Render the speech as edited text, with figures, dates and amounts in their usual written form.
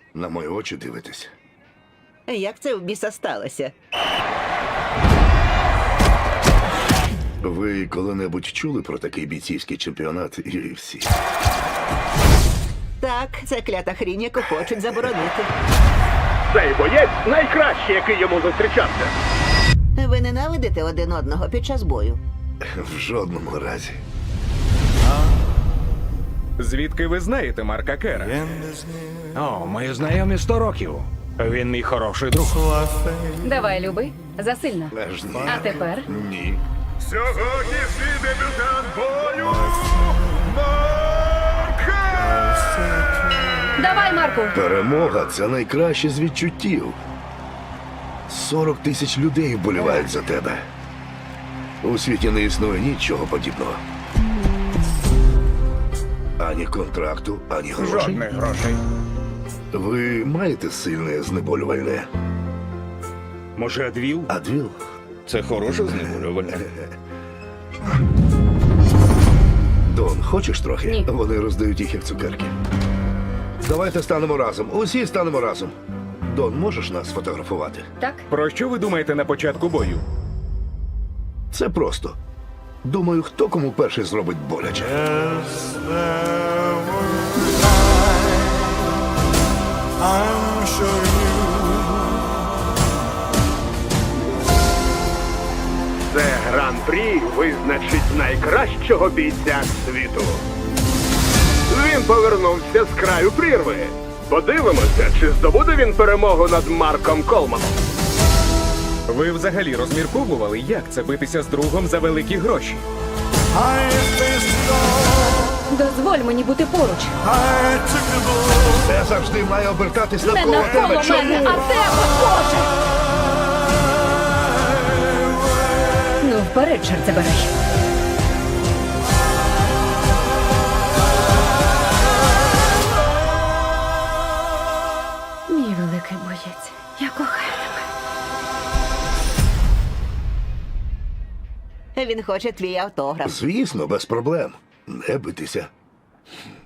На мої очі дивитесь. Як це в біса сталося? Ви коли-небудь чули про такий бійцівський чемпіонат UFC? Так, це клята хрінь, яку хочуть заборонити. Цей боєць найкращий, який йому зустрічався. Ви ненавидите один одного під час бою? В жодному разі. Звідки ви знаєте Марка Кера? О, ми знайомі 100 років. Він мій хороший друг. Давай, люби, засильно. Аж ні. А тепер Ні. Сьогоднішній дебютант бою Марка! давай, Марку. Перемога – це найкраще з відчуттів. 40 тисяч людей вболівають за тебе. У світі не існує нічого подібного. Ані контракту, ані грошей. Жодних грошей. Ви маєте сильне знеболювальне? Може, Адвіл? Адвіл? Це хороше знеболювальне. Дон, хочеш трохи? Ні. Вони роздають їх як цукерки. Давайте станемо разом. Усі станемо разом. Дон, можеш нас фотографувати? Так? Про що ви думаєте на початку бою? Це просто. Думаю, хто кому перший зробить боляче. Це гран-прі визначить найкращого бійця світу. Він повернувся з краю прірви. Подивимося, чи здобуде він перемогу над Марком Колманом. Ви взагалі розмірковували, як це битися з другом за великі гроші? Дозволь мені бути поруч. Це завжди має обертатись Не навколо навколо тебе. Чому? мене, а тебе, Боже! Ну, вперед, чорт забирай. Мій великий боєць, я кохаю тебе. Він хоче твій автограф. Звісно, без проблем. Не битися.